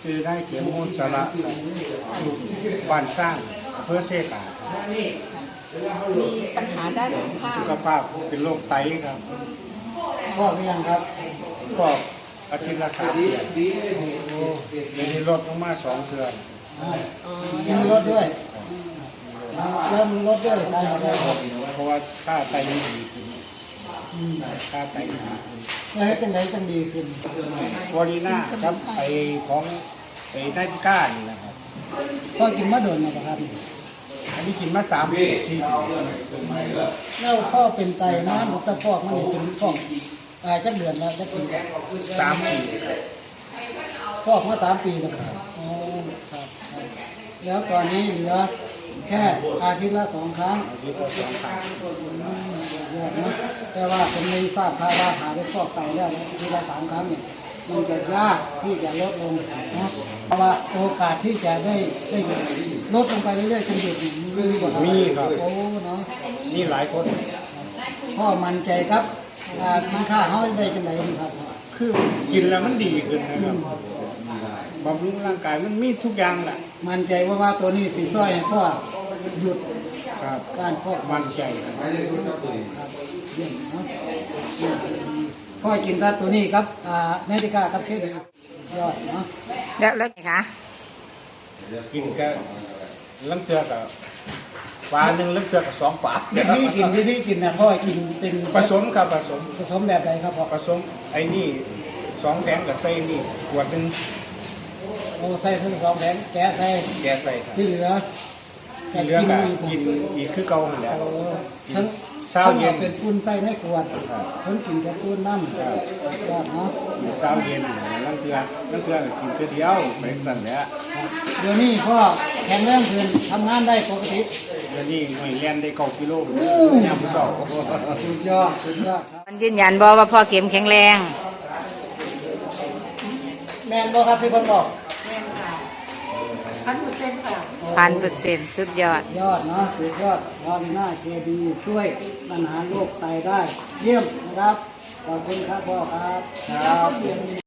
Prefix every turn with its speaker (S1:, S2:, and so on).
S1: คือได้เขียนมูลสาระอยู่บ้านสร้างเพื่อเชกา
S2: มีปัญหาด้านสุขภาพ
S1: สุขภาพเป็นโรคไตครับ
S3: พ่อหรือยังครับ
S1: ก็อาทิตย์ละ3 เดือนเดี๋ยวนี้ลดลงมา2 เดือน
S3: ยังลดด้วยเริ่มลดด้วยใช่ไหมครับ
S1: เพราะว่าค่าไตมันดีขึ้นค่าไตดีขึ้น
S3: แล้วให้เป็นไรจังดีขึ้น
S1: วอลีน่าครับไปของไปได้ที่ก้านี่นะครับ
S3: พ่อกินมะโดนมาปะครับ
S1: อันนี้กินมา3 ปี4 ปี
S3: แล้วพ่อเป็นไตนะหรือตะฟอกมันเป็นฟอกจักเดือนแล้วจักปี
S1: 3 ปีครับ
S3: ฟอกมา3 ปีแล้วครับอ๋อครับแล้วตอนนี้เหลือแค่อาทิตย์ละ2 ครั้ง
S1: อาทิตย์ละ2 ครั้ง
S3: เยอะนะแต่ว่าผมไม่ทราบภาวะหาได้ฟอกไตแล้วทีละ3 ครั้งเนี่ยมันจะยากที่จะลดลงนะเพราะว่าโอกาสที่จะได้ลดลงไปเรื่อยๆจนหยุดมีกว่า
S1: มีครับ
S3: โอ้เนาะ
S1: มีหลายคน
S3: พ่อมั่นใจครับสินค้าเขาได้จังไหนครับ
S1: คือกินแล้วมันดีขึ้นนะครับบำรุงร่างกายมันมีทุกอย่างแหละ
S3: มั่นใจว่าตัวนี้สีซ้อยให้พ่อหยุด
S1: ครับ
S3: การฟอก
S1: มั่นใจครับ
S3: ครับเยี่ยมเนาะพ่อกินแต่ตัวนี้ครับเนติก้าครับเคสยอดเนาะ
S2: แล้วไงคะ
S1: กินก็ลังเทือกับฝาหนึ่งลังเทือกับ2 ฝา
S3: วิธีกินนะพ่อกินเป็น
S1: ผสมครับผสม
S3: แบบไหนครับพ่อ
S1: ผสมไอ้นี่2 แผงกับใส่นี่ขวดหนึง
S3: โอ้ใส่ทั้ง2 แผงแกะใส่
S1: แกใส่ครับ
S3: ที่เหลือ
S1: ที่เหลือก็
S3: อีก
S1: กินอีกคือเก่าหั่นแหละ
S3: โอ้ทั้ง
S1: เช้าเย็น
S3: เป็นฝุ่นใส่ในขวดทั้งกินกับฝุ่นน้ำยอดเนาะ
S1: เช้าเย็นลังเทือก็กินเทื่อเดียวไปสั่นแหละ
S3: เดี๋ยวนี้พ่อแข็งแรงขึ้นทำงานได้ปกติ
S1: เดี๋ยวนี้ไม่แล่นได้9 กิโลยามมื้อเช้า
S3: สุดยอดครับ
S2: มันยืนยันบอกว่าพ่อเข็มแข็งแรง
S3: แมนบ่ครับที่พ่อบอก
S2: 1,000%สุดยอด
S3: ยอดเนาะสุดยอดพอดีหน้าเคดีช่วยปัญหาโรคไตได้ เยี่ยมนะครับ ขอบคุณครับพ่อครับครับ